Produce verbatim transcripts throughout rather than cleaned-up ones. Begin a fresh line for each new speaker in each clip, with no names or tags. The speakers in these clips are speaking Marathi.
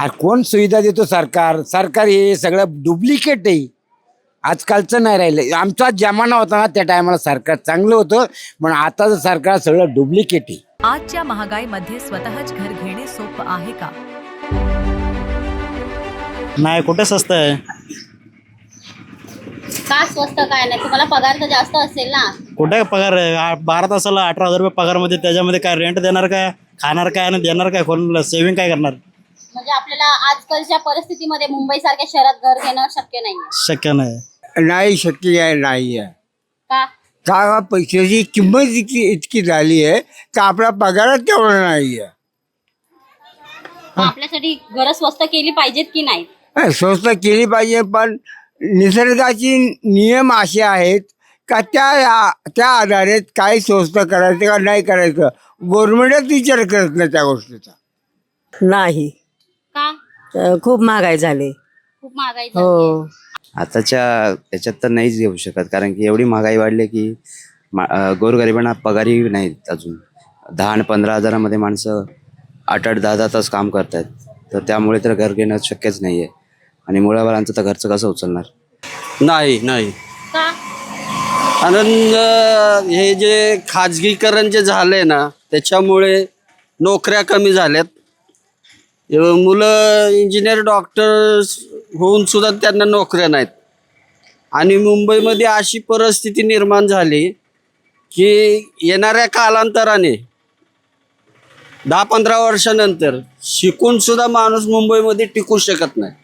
अरे कोण सुविधा देतो? सरकार सरकार हे सगळं डुप्लिकेट आहे. आजकालचं नाही राहिलं. आमचा जमाना होता ना त्या टायमाला सरकार चांगलं होतं, पण आताचं सरकार सगळं डुप्लिकेट आहे.
आजच्या महागाईमध्ये स्वतःच घर घेणे सोपं आहे का?
नाही, कुठे स्वस्त आहे?
का स्वस्त काय नाही? तुम्हाला पगार तर जास्त असेल ना.
कुठे पगार आहे? आ- बारा तासाला अठरा हजार रुपये पगारमध्ये त्याच्यामध्ये काय रेंट देणार काय, खाणार काय आणि देणार काय, कोणाला सेव्हिंग काय करणार?
म्हणजे आपल्याला आजकालच्या परिस्थितीमध्ये मुंबई सारख्या शहरात घर घेणं शक्य नाहीये.
शक्य नाही.
नाही शक्य आहे, नाही आहे.
का?
का पैशाची किंमत इतकी इतकी झाली आहे तर आपला पगारच तेवढा नाही आहे.
मग आपल्यासाठी घरं स्वस्त केली पाहिजेत की नाही?
हा, स्वस्त केली पाहिजे, पण निसर्गाचे नियम असे आहेत का त्या त्या आधारे काय स्वस्त करायचं का नाही करायचं गव्हर्नमेंटच विचार करत नाही त्या गोष्टीचा.
नाही,
का?
अ, खूप महागाई झाली.
खूप महागाई झाली.
हो,
आताच्या याच्यात तर नाहीच घेऊ शकत, कारण की एवढी महागाई वाढली की मा अं, गोरगरिबांना पगारही नाहीत अजून. दहा आणि पंधरा हजारामध्ये माणसं आठ आठ दहा दहा तास काम करतात, तर त्यामुळे तर घर घेणं शक्यच नाही आहे. आणि मुळावालांचं तर घरचं कसं उचलणार?
नाही नाही
का?
कारण अं, हे जे खाजगीकरण जे झालंय ना त्याच्यामुळे नोकऱ्या कमी झाल्यात. अं, मुलं इंजिनियर डॉक्टर होऊन सुद्धा त्यांना नोकऱ्या नाहीत. आणि मुंबईमध्ये अशी परिस्थिती निर्माण झाली की येणाऱ्या कालांतराने दहा पंधरा वर्षानंतर शिकून सुद्धा माणूस मुंबईमध्ये टिकू शकत नाही.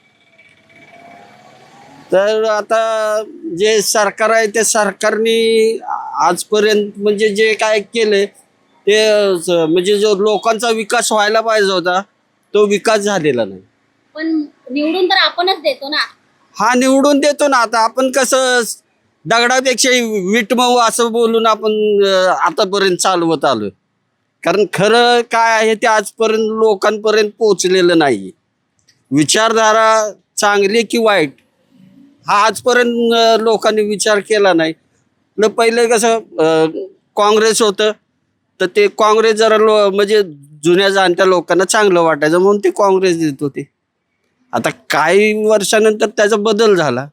तर आता जे सरकार आहे त्या सरकारने आजपर्यंत म्हणजे जे काय केले ते स- म्हणजे जो लोकांचा विकास व्हायला पाहिजे होता तो विकास झालेला नाही.
पण निवडून तर आपणच देतो ना.
हा निवडून देतो ना. आता आपण कसं दगडापेक्षा वीट मऊ असं बोलून आपण अं, आतापर्यंत चालवत आलोय. कारण खरं काय आहे ते आजपर्यंत लोकांपर्यंत पोहोचलेलं नाही. विचारधारा चांगली की वाईट हा आजपर्यंत अं, लोकांनी विचार केला नाही. न पहिले कसं अं, काँग्रेस होतं तर ते काँग्रेस जरा लो म्हणजे जुन्या जाणत्या लोकांना चांगलं वाटायचं म्हणून ते काँग्रेस देत होते. आता काही वर्षानंतर त्याचा बदल झाला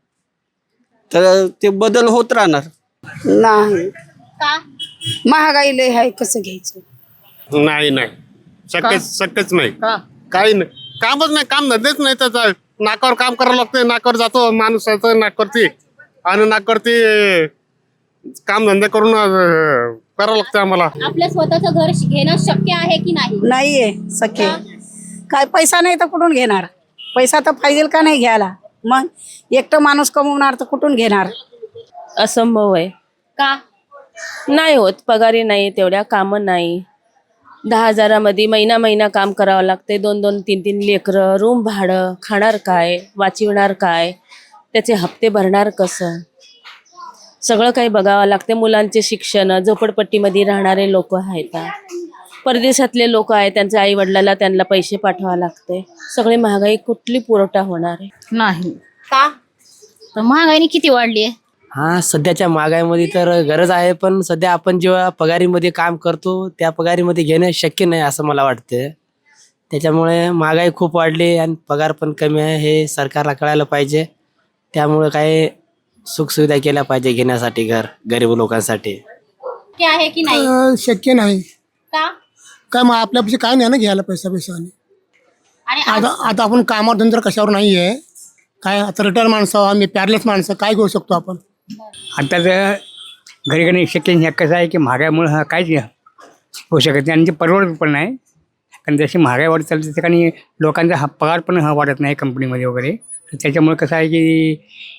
तर ते बदल होत राहणार.
नाही,
का?
महागाई लय आहे, कसं घ्यायचं?
नाही नाही शक्यच शक्यच नाही.
का?
काही नाही, कामच नाही, काम धंदेच नाही. त्याचा नाकावर काम करावं लागतं. नाकावर जातो माणूस नाकावरती आणि नाकावरती काम धंदे करून अं, करावं लागतं आम्हाला.
आपलं स्वतःचं घर घेणं शक्य आहे की नाही?
नाहीये सख्य. काय पैसा नाही तर कुठून घेणार? पैसा तर पाहिजे का नाही घ्यायला? मग एकटं माणूस कमवणार तर कुठून घेणार?
असंभव आहे.
का?
नाही होत, पगारी नाही, तेवढ्या कामं नाही. दहा हजारामध्ये महिना महिना काम करावं लागते. दोन दोन तीन तीन लेकरं, रूम भाडं, खाणार काय, वाचविणार काय, त्याचे हप्ते भरणार कसं, सगळं काही बघावं लागते. मुलांचे शिक्षण, झोपडपट्टीमध्ये राहणारे लोक आहेत, परदेशातले लोक आहेत, त्यांच्या आई वडिलाला त्यांना पैसे पाठवावे लागते. सगळी महागाई कुठली पुरवठा होणार आहे?
नाही. का? तर महागाईने किती वाढली आहे?
हा, सध्याच्या महागाईमध्ये तर गरज आहे, पण सध्या आपण जेव्हा पगारीमध्ये काम करतो त्या पगारीमध्ये घेणं शक्य नाही असं मला वाटतं. त्याच्यामुळे महागाई खूप वाढली आणि पगार पण कमी आहे हे सरकारला कळायला पाहिजे. त्यामुळे काही सुखसुविधा केल्या पाहिजे घेण्यासाठी घर गरीब लोकांसाठी.
शक्य आहे की नाही?
शक्य नाही.
का?
काय मग आपल्यापाशी काय नाही ना घ्यायला पैसा पैसा.
आणि आज-
आता आता आपण कामावर धंदा कशावर नाही आहे काय. आता रिटायर माणसं आम्ही पॅरलेस माणसं काय घेऊ शकतो आपण?
आता तर घरी घरी शक्य नाही. कसं आहे की महागाईमुळे हा काहीच होऊ शकत नाही आणि ते परवडत पण नाही. कारण जशी महागाई वाढत चालते त्या ठिकाणी लोकांचा हा पगार पण हा वाढत नाही कंपनीमध्ये वगैरे. तर त्याच्यामुळे कसं आहे की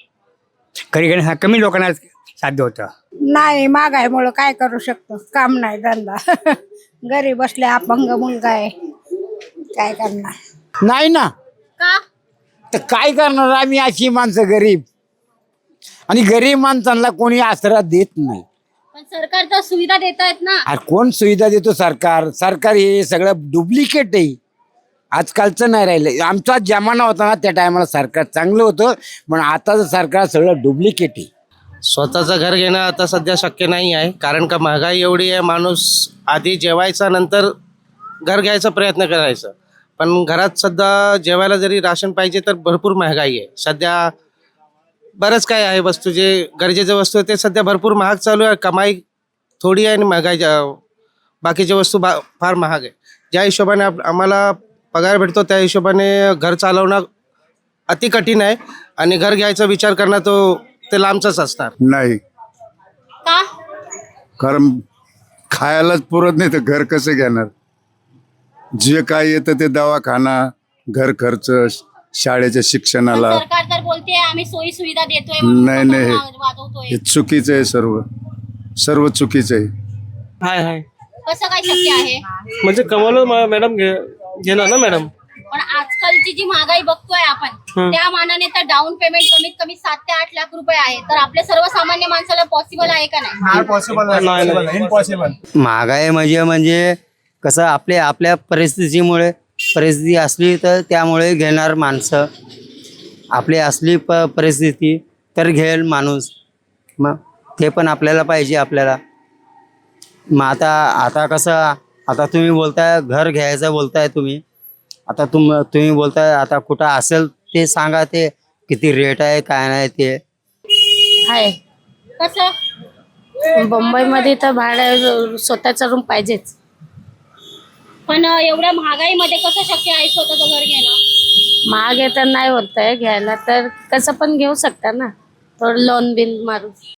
घरी घरी हा कमी लोकांना साध्य होतं.
नाही, महागाईमुळं काय करू शकतो? काम नाही, धंदा. घरी बसले, अपंग मुलगा आहे, काय करणार?
नाही ना.
का?
तर काय करणार आम्ही अशी माणसं गरीब, आणि गरीब माणसांना कोणी आसरा देत नाही.
पण सरकार तर सुविधा देत आहेत ना.
अरे कोण सुविधा देतो? सरकार सरकार हे सगळं डुप्लिकेट आहे. आजकालचं नाही राहिलं. आमचा जमाना होता ना त्या टायमाला सरकार चांगलं होतं, पण आताचं सरकार सगळं डुप्लिकेट आहे.
स्वतःचं घर घेणं आता सध्या शक्य नाही आहे, कारण का महागाई एवढी आहे. माणूस आधी जेवायचा नंतर घर घ्यायचा प्रयत्न करायचा, पण घरात सध्या जेवायला जरी राशन पाहिजे तर भरपूर महागाई आहे सध्या. बरंच काय आहे वस्तू जे गरजेच्या वस्तू आहे ते सध्या भरपूर महाग चालू आहे. कमाई थोडी आहे आणि महागाई जा- बाकीच्या वस्तू बा फार महाग आहे. ज्या हिशोबाने आप आम्हाला पगार भेटतो त्या हिशोबाने घर चालवणं अति कठीण आहे आणि घर घ्यायचा विचार करणं तो ते लांबचंच असणार.
नाही,
का?
कारण खायलाच पुरत नाही तर घर कसं घेणार. जे काय येतं ते दवाखाना, घर खर्च, शाळेच्या शिक्षणाला.
सरकार तर बोलते आम्ही सोयी सुविधा देतोय
नाही नाही हे-
वाजवतोय.
हे चुकीचं आहे. सर्व सर्व चुकीचं आहे.
हाय हाय
कसं काय शक्य आहे?
म्हणजे कमवलं मॅडम घेणार ना मॅडम.
पण आजकालची जी महागाई बघतोय आपण त्या मानाने तर डाऊन पेमेंट कमीत कमी सात ते आठ लाख रुपये आहे. तर आपल्या सर्वसामान्य माणसाला पॉसिबल आहे का नाही?
महागाई म्हणजे म्हणजे कसं आपले आपल्या परिस्थितीमुळे परिस्थिती असली तर त्यामुळे घेणार माणसं. आपली असली प परिस्थिती तर घेईल माणूस. मग ते पण आपल्याला पाहिजे आपल्याला. मग आता आता कसं आता तुम्ही बोलताय घर घ्यायचं बोलताय तुम्ही. आता तुम तुम्ही बोलताय आता कुठं असेल ते सांगा, ते किती रेट आहे काय नाही ते.
आहे
कसं?
मुंबईमध्ये तर भाडं स्वतःचा रूम पाहिजेच.
पण एवढ्या महागाईमध्ये कसं शक्य आहे स्वतःचं घर घेणं?
महाग आहे तर नाही होत आहे घ्यायला, तर कसं पण घेऊ शकता ना, थोडं लोन बिल मारून.